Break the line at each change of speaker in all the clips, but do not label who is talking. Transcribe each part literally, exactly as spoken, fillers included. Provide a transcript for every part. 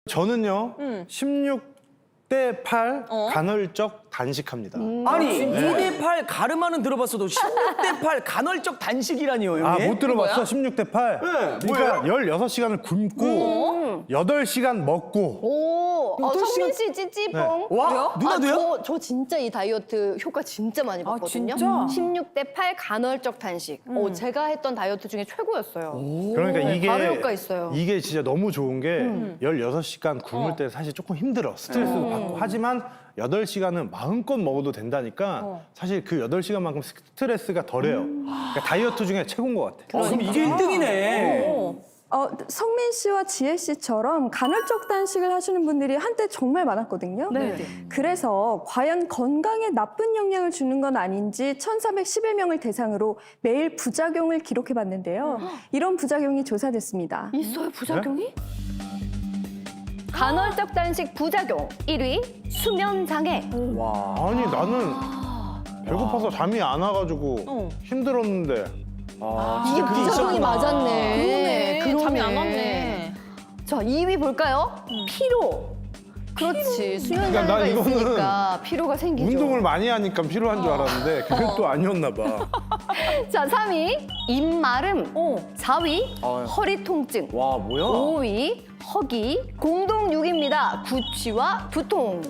저는요,
음.
십육 대 팔
어?
간헐적 단식합니다.
아니 이 대 팔 가르마는 들어봤어도 십육 대 팔 간헐적 단식이라니요, 형님?
아, 못 들어봤어?
뭐야?
십육 대 팔?
네,
그러니까 열여섯 시간을 굶고 여덟 시간 먹고.
오, 어,
여덟
성민
시간-
씨 찌찌뽕.
와,
왜요?
누나도요?
아, 저, 저 진짜 이 다이어트 효과 진짜 많이 봤거든요.
진짜?
십육 대 팔 간헐적 단식. 어, 제가 했던 다이어트 중에 최고였어요.
그러니까
네,
이게
바로 효과 있어요.
이게 진짜 너무 좋은 게 열여섯 시간 굶을 때 사실 조금 힘들어. 스트레스도 받고. 하지만 여덟 시간은 마음껏 먹어도 된다니까 사실 그 여덟 시간만큼 스트레스가 덜해요. 그러니까 다이어트 중에 최고인 것 같아.
어, 그럼 이게 일 등이네.
어, 성민 씨와 지혜 씨처럼 간헐적 단식을 하시는 분들이 한때 정말 많았거든요.
네.
그래서 과연 건강에 나쁜 영향을 주는 건 아닌지 천삼백십일 명을 대상으로 매일 부작용을 기록해 봤는데요. 이런 부작용이 조사됐습니다.
있어요, 부작용이? 간헐적 단식 부작용 일 위 수면 장애.
와.
아니, 나는 배고파서 잠이 안 와가지고
어.
힘들었는데.
아,
이게
진짜 그게
부작용이
있었구나.
맞았네.
그러네. 잠이 안 왔네.
자, 이 위 볼까요? 피로. 그렇지. 수면
그러니까 난
장애가
이거는
있으니까 피로가 생기죠.
운동을 많이 하니까 필요한 줄 알았는데 그게 또 아니었나 봐.
자, 삼 위 입마름.
어.
사 위
아유.
허리 통증.
와, 뭐야?
오 위 허기. 공동 육 위입니다. 구취와 두통.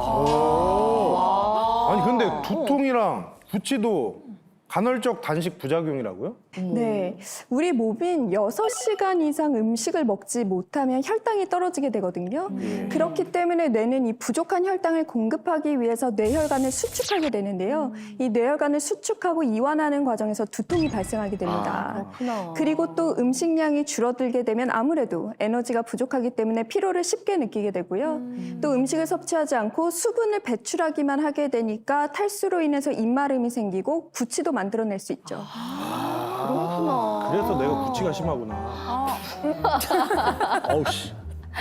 와.
아니 근데 두통이랑 구취도 간헐적 단식 부작용이라고요?
네, 우리 몸은 여섯 시간 이상 음식을 먹지 못하면 혈당이 떨어지게 되거든요. 그렇기 때문에 뇌는 이 부족한 혈당을 공급하기 위해서 뇌혈관을 수축하게 되는데요. 이 뇌혈관을 수축하고 이완하는 과정에서 두통이 발생하게 됩니다.
그렇구나.
그리고 또 음식량이 줄어들게 되면 아무래도 에너지가 부족하기 때문에 피로를 쉽게 느끼게 되고요. 또 음식을 섭취하지 않고 수분을 배출하기만 하게 되니까 탈수로 인해서 입마름이 생기고 구취도 만들어낼 수 있죠.
그렇구나. 그래서 내가 구취가 심하구나. 아우 씨.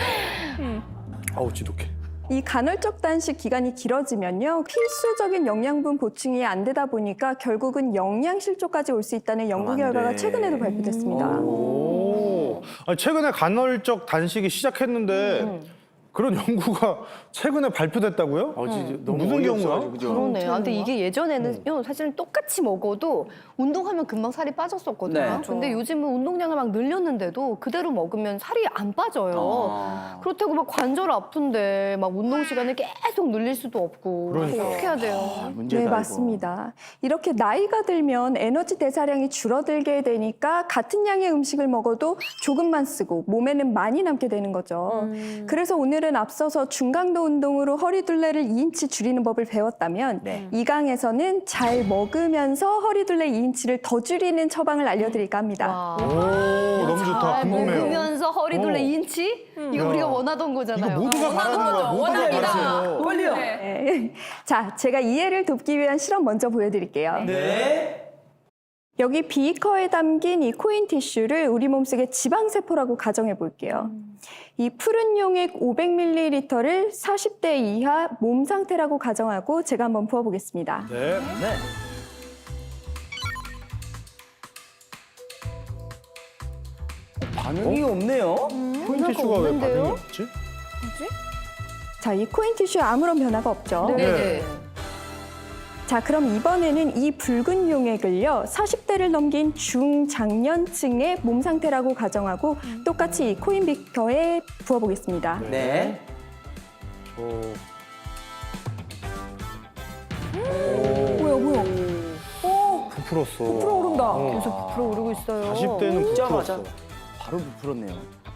아우 지독해.
이 간헐적 단식 기간이 길어지면요, 필수적인 영양분 보충이 안 되다 보니까 결국은 영양실조까지 올 수 있다는 연구
안
결과가
돼.
최근에도 발표됐습니다.
오. 아니, 최근에 간헐적 단식이 시작했는데 그런 연구가 최근에 발표됐다고요?
아, 진짜 너무
무슨
어이없어가지고,
경우야?
그죠?
그러네. 아, 근데 이게 예전에는 사실은 똑같이 먹어도 운동하면 금방 살이 빠졌었거든요.
네.
근데 요즘은 운동량을 막 늘렸는데도 그대로 먹으면 살이 안 빠져요.
아.
그렇다고 막 관절 아픈데 막 운동 시간을 계속 늘릴 수도 없고.
그러니까.
어떻게 해야 돼요?
문제다,
네,
이거.
맞습니다. 이렇게 나이가 들면 에너지 대사량이 줄어들게 되니까 같은 양의 음식을 먹어도 조금만 쓰고 몸에는 많이 남게 되는 거죠. 그래서 오늘은 앞서서 중강도 운동으로 허리둘레를 이 인치 줄이는 법을 배웠다면
네.
이 강에서는 잘 먹으면서 허리둘레 이 인치를 더 줄이는 처방을 알려드릴까 합니다.
와.
오, 너무 좋다.
잘
궁금해요.
먹으면서 허리둘레
어.
이 인치? 이거
야.
우리가 원하던
이거
거잖아요.
모두가 바라는 거야. 모두가
원합니다.
바라세요.
빨리요.
네. 자, 제가 이해를 돕기 위한 실험 먼저 보여드릴게요.
네.
여기 비커에 담긴 이 코인 티슈를 우리 몸속의 지방세포라고 가정해 볼게요. 이 푸른 용액 오백 밀리리터를 사십 대 이하 몸 상태라고 가정하고 제가 한번 부어보겠습니다.
네.
네. 반응이 없네요.
코인 티슈가 왜
없는데요?
반응이 없지?
자, 이 코인 티슈에 아무런 변화가 없죠.
네네.
자, 그럼 이번에는 이 붉은 용액을요, 사십 대를 넘긴 중장년층의 몸 상태라고 가정하고 똑같이 이 코인 비커에 부어보겠습니다.
네.
어,
뭐야, 뭐야.
부풀었어.
오른다.
어.
계속 부풀어 오르고 있어요.
사십 대는
붓자마자
부풀었어.
바로 부풀었네요.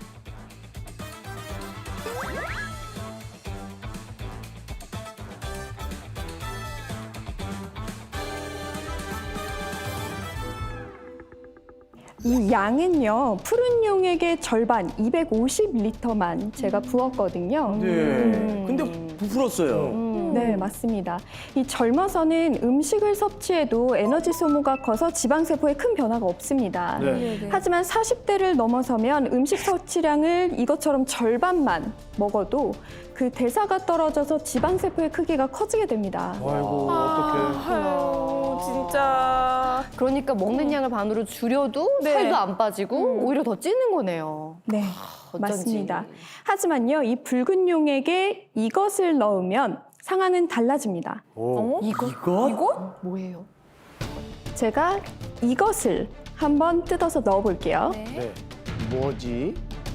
이 양은요, 푸른 용액의 절반, 이백오십 리터만 제가 부었거든요.
네. 근데 부풀었어요.
네, 맞습니다. 이 젊어서는 음식을 섭취해도 에너지 소모가 커서 지방세포에 큰 변화가 없습니다.
네.
하지만 사십 대를 넘어서면 음식 섭취량을 이것처럼 절반만 먹어도 그 대사가 떨어져서 지방세포의 크기가 커지게 됩니다.
아이고, 어떡해.
아유, 진짜.
그러니까 먹는 양을 반으로 줄여도
네.
살도 안 빠지고 오히려 더 찌는 거네요.
네. 맞습니다. 하지만요, 이 붉은 용액에 이것을 넣으면 상황은 달라집니다.
오.
이것?
뭐예요?
제가 이것을 한번 뜯어서 넣어볼게요.
네.
뭐지?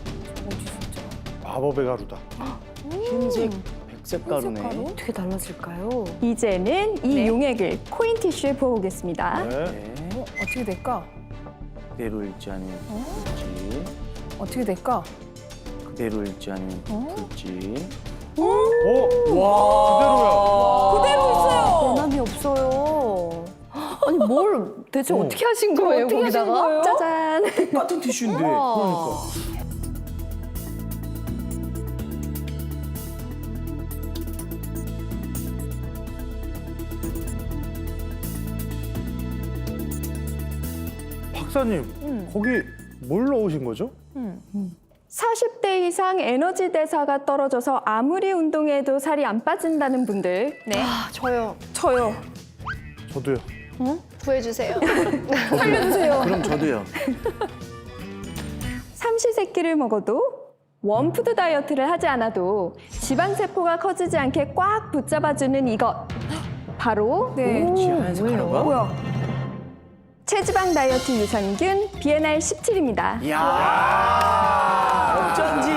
마법의 가루다.
흰색, 백색 가루네.
어떻게 달라질까요?
이제는 이
네.
용액을 코인 티슈에 부어보겠습니다.
네.
네.
어떻게 될까?
그대로 읽지 않으면 둘지.
어떻게 될까?
그대로 읽지 않으면 둘지.
오. 와.
그대로 있어요.
변함이 없어요. 아니 뭘 대체
어.
어떻게 하신 거예요
어떻게 하신
거기다가?
거예요?
짜잔!
똑같은 티슈인데.
와.
박사님, 거기 뭘 넣으신 거죠?
사십 대 이상 에너지 대사가 떨어져서 아무리 운동해도 살이 안 빠진다는 분들,
네.
아, 저요.
저요.
저도요.
구해주세요.
살려주세요.
그럼 저도요.
삼시세끼를 먹어도 원푸드 다이어트를 하지 않아도 지방세포가 커지지 않게 꽉 붙잡아주는 이것. 바로
네.
지하에서 가루가?
뭐야?
체지방 다이어트 유산균 비엔알 십칠입니다.
이야. 어쩐지